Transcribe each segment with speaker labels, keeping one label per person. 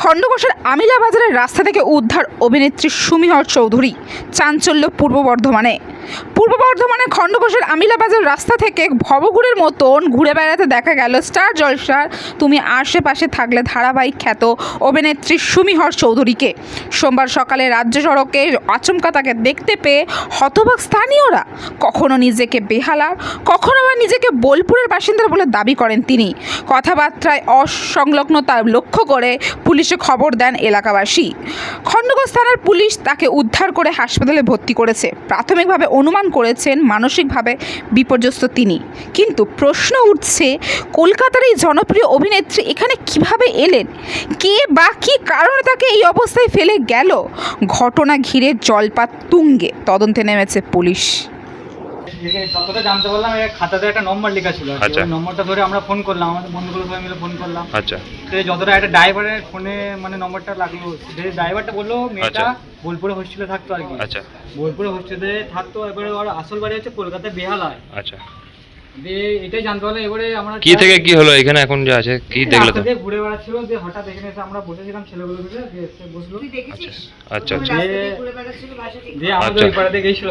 Speaker 1: খণ্ডঘোষের আমিলা বাজারের রাস্তা থেকে উদ্ধার অভিনেত্রী সুমিহর চৌধুরী। চাঞ্চল্য পূর্ব বর্ধমানের খণ্ডঘোষের আমিলা বাজার রাস্তা থেকে ভবঘুরের মতন ঘুরে বেড়াতে দেখা গেল স্টার জলসার তুমি আশেপাশে থাকলে ধারাবাহিক খ্যাত অভিনেত্রী সুমিহর চৌধুরীকে। সোমবার সকালে রাজ্য সড়কে আচমকা তাকে দেখতে পেয়ে হতবাক স্থানীয়রা। কখনো নিজেকে বেহালার, কখনো বা নিজেকে বোলপুরের বাসিন্দা বলে দাবি করেন তিনি। কথাবার্তায় অসংলগ্নতা লক্ষ্য করে পুলিশে খবর দেন এলাকাবাসী। খণ্ডঘোষ থানার পুলিশ তাকে উদ্ধার করে হাসপাতালে ভর্তি করেছে। প্রাথমিকভাবে অনুমান করেছেন মানসিকভাবে বিপর্যস্ত তিনি। কিন্তু প্রশ্ন উঠছে, কলকাতার এই জনপ্রিয় অভিনেত্রী এখানে কিভাবে এলেন? কে বা কী কারণে তাকে এই অবস্থায় ফেলে গেল? ঘটনা ঘিরে জলপাত তুঙ্গে তদন্তে নেমেছে পুলিশ।
Speaker 2: যতটা জানতে পারলাম, খাতাতে একটা নম্বর লেখা ছিল। নম্বরটা ধরে আমরা ফোন করলাম, আমাদের বন্ধুগুলো সবাই মিলে ফোন করলাম। তো যতটা একটা ড্রাইভারের ফোনে মানে নম্বরটা লাগলো, ড্রাইভারটা বললো মেয়েটা বোলপুরে হোস্টেলে থাকতো আর কি। বোলপুরে হোস্টেলে থাকতো, এবারে ওর আসল বাড়ি হচ্ছে কলকাতায় বেহালায়। এটাই জানতে পারলাম। এবারে আমরা
Speaker 3: কি থেকে কি হলো এখানে এখন যা আছে কি দেখলে? তো
Speaker 2: ঘুরে বেড়াচ্ছিল, যে হঠাৎ এখানে এসে আমরা বসেছিলাম, ছেলেগুলো মিলে এসে বসলো।
Speaker 3: আচ্ছা
Speaker 2: দিয়ে আমাদের ওই পাড়াতে গেছিল।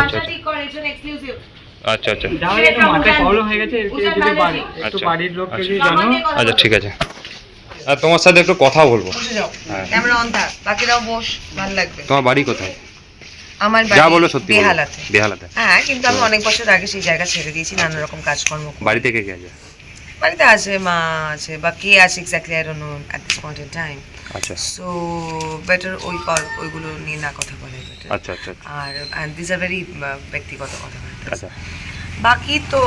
Speaker 3: আচ্ছা
Speaker 2: মাথায় প্রবলেম হয়ে গেছে, একটু বাড়ির লোককে যদি জানো।
Speaker 3: আচ্ছা ঠিক আছে, আর তোমার সাথে একটু কথা বলবো।
Speaker 4: ক্যামেরা অন থাক, বাকিরাও বস, ভালো লাগবে।
Speaker 3: তোমার বাড়ি কোথায়?
Speaker 4: আমার
Speaker 3: যা
Speaker 4: বাড়ি
Speaker 3: বলো সত্যি
Speaker 4: বেহালাতে।
Speaker 3: বেহালাতে?
Speaker 4: হ্যাঁ, কিন্তু আমি অনেক বছর আগে সেই জায়গা ছেড়ে দিয়েছি নানা রকম কাজকর্ম।
Speaker 3: বাড়ি থেকে কে আছে?
Speaker 4: বাড়িতে আছে, মা আছে, বা কে আছে exactly I don't know at this point in time.
Speaker 3: আচ্ছা,
Speaker 4: সো বেটার ওইগুলো নিয়ে না কথা বলে বেটার।
Speaker 3: আচ্ছা।
Speaker 4: আর দিস আর ভেরি ব্যক্তিগত কথা।
Speaker 3: আচ্ছা,
Speaker 4: বাকি তো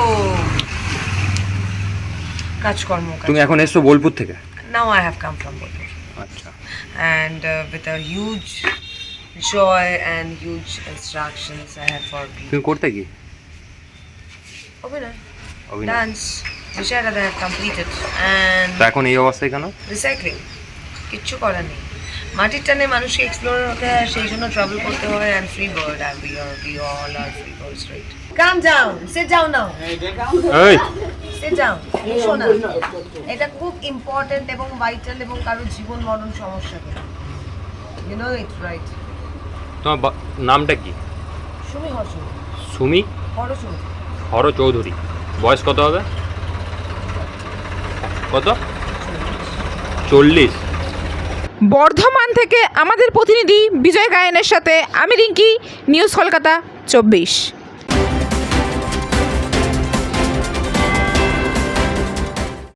Speaker 4: কাজকর্ম।
Speaker 3: তুমি এখন এসছো বোলপুর থেকে?
Speaker 4: Now I have come from Bolpur.
Speaker 3: আচ্ছা,
Speaker 4: and with a huge joy and huge instructions I have for people.
Speaker 3: তুমি করতে কি?
Speaker 4: অভিনয়,
Speaker 3: অভিনয়,
Speaker 4: ডান্স, বিষয়টা I have completed and
Speaker 3: তা এখন এই অবস্থায় কেন?
Speaker 4: রিসাইক্লিং, কিচ্ছু করার নেই। মাটির টানে মানুষকে এক্সপ্লোর হতে হয়, সেই জন্য ট্রাভেল করতে হয়। and free bird and we all are free birds, right? Calm down, sit down now.
Speaker 3: এই
Speaker 4: sit down, শোনা। এটা খুব ইম্পর্টেন্ট এবং ভাইটাল এবং কারো জীবন মরণ সমস্যা করে, you know it, right?
Speaker 3: তোমার নামটা কি?
Speaker 4: সুমি হর্ষ,
Speaker 3: সুমি হর চৌধুরী। বয়স কত হবে? কত? 40।
Speaker 1: বর্ধমান থেকে আমাদের প্রতিনিধি বিজয় গায়েনের সাথে আমি রিঙ্কি, নিউজ কলকাতা 24।